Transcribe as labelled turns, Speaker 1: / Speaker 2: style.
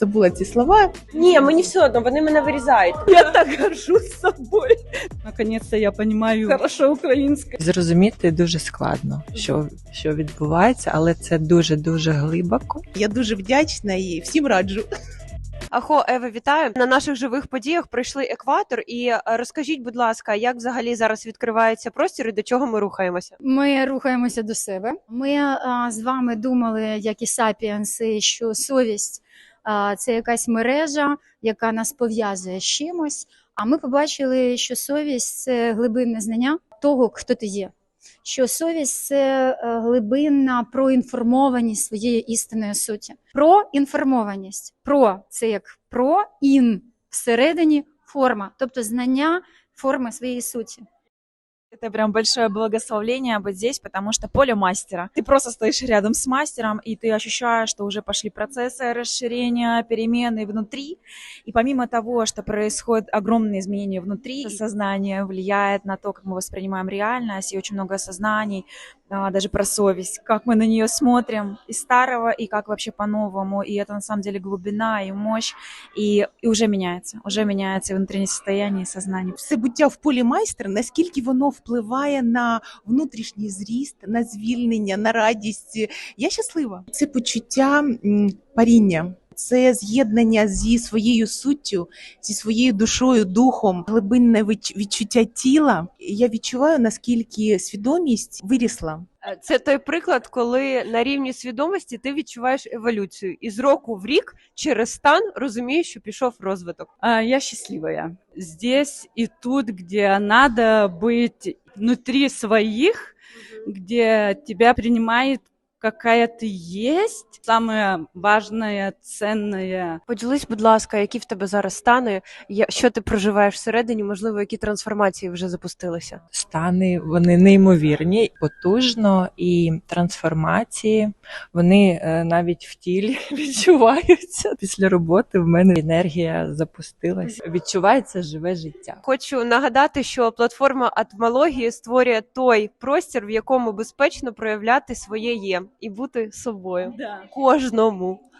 Speaker 1: Забула ці слова.
Speaker 2: Ні, мені все одно, вони мене вирізають. Я так горжусь собою.
Speaker 3: Наконец-то я понимаю хорошо українське.
Speaker 4: Зрозуміти дуже складно, що відбувається, але це дуже-дуже глибоко.
Speaker 1: Я дуже вдячна і всім раджу.
Speaker 2: Ахо, Ева, вітаю. На наших живих подіях пройшли екватор. І розкажіть, будь ласка, як взагалі зараз відкривається простір і до чого ми рухаємося?
Speaker 5: Ми рухаємося до себе. Ми з вами думали, як і сапіенси, що совість це якась мережа, яка нас пов'язує з чимось. А ми побачили, що совість це глибинне знання того, хто ти є. Що совість – це глибинна проінформованість своєї істинної суті. Проінформованість. Про – це як про, ін – всередині форма, тобто знання форми своєї суті.
Speaker 6: Это прям большое благословление быть здесь, потому что поле мастера. Ты просто стоишь рядом с мастером, и ты ощущаешь, что уже пошли процессы расширения, перемены внутри. И помимо того, что происходят огромные изменения внутри, сознание влияет на то, как мы воспринимаем реальность, и очень много осознаний, даже про совесть, как мы на нее смотрим из старого, и как вообще по-новому. И это на самом деле глубина и мощь, и уже меняется внутреннее состояние и сознание.
Speaker 1: Все буття в полі майстра, наскільки воно впливає на внутрішній зріст, на звільнення, на радість. Я щаслива. Це почуття паріння. Це з'єднання зі своєю суттю, зі своєю душою, духом, глибинне відчуття тіла. Я відчуваю, наскільки свідомість вирісла.
Speaker 2: Це той приклад, коли на рівні свідомості ти відчуваєш еволюцію. І з року в рік через стан розумієш, що пішов розвиток.
Speaker 3: Я счастливая. Здесь и тут, где надо быть внутри своих, где тебя принимает какая ты есть. Самое важное, ценное.
Speaker 2: Поділись, будь ласка, які в тебе зараз стани, що ти проживаєш всередині, можливо, які трансформації вже запустилися?
Speaker 4: Стани, вони неймовірні, потужно, і трансформації, вони навіть в тілі відчуваються. Після роботи в мене енергія запустилась. Відчувається живе життя.
Speaker 2: Хочу нагадати, що платформа Атмології створює той простір, в якому безпечно проявляти своє «є» і бути собою.
Speaker 3: Да.
Speaker 2: Кожному.